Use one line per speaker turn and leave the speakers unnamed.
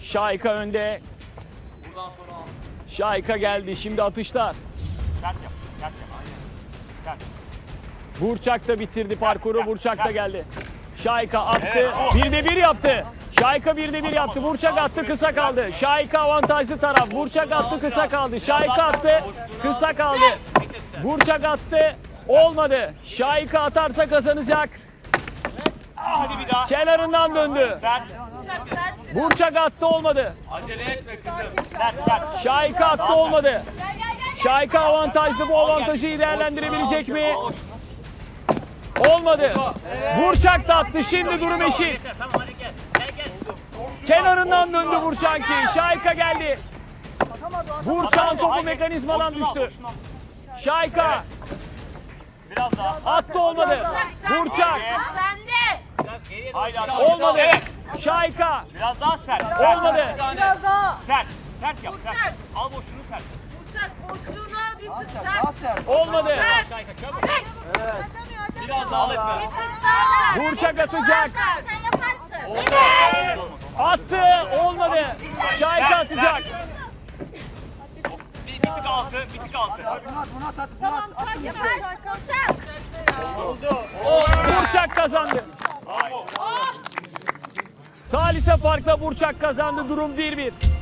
Şahika önde. Şahika geldi. Şimdi atışlar.
Sert yap. Sert yap. Aynen. Sert.
Burçak da bitirdi parkuru. Burçak da geldi. Şahika attı. 1'de 1 yaptı. Şahika 1'de 1 yaptı. Burçak attı, kısa kaldı. Şahika avantajlı taraf. Burçak attı, kısa kaldı. Şahika attı, kısa kaldı. Burçak attı. Olmadı. Şahika atarsa kazanacak.
Hadi bir daha.
Kenarından döndü.
Sert.
Burçak attı, olmadı.
Acele etme kızım.
Sert. Sert.
Şahika attı, olmadı. Şahika avantajlı, bu avantajı iyi değerlendirebilecek mi? Olmadı. Burçak da attı, şimdi durum eşit.
Tamam hadi gel. Gel.
Kenarından döndü Burçak'ki. Şahika geldi. Burçak'ın topu mekanizmadan düştü. Şahika
Biraz daha.
attı, olmadı. Burçak
Sende.
Biraz geriye
Haydi hadi.
olmadı.
Evet.
Şahika
Biraz daha sert.
olmadı.
Biraz daha.
Sert. Sert yap. Sert. Al boşluğunu sert.
Uçak boşluğunu al bitir. Sert.
Olmadı.
Şahika çabuk.
Atamıyor.
Biraz daha etme.
Burçak atacak.
Sen yaparsın.
Attı, olmadı. Şahika atacak.
Bir tık altı. Bir tık altı.
Tamam sen yaparsın. Uçak.
Burçak kazandı. Salise farkla Burçak kazandı. Durum 1-1.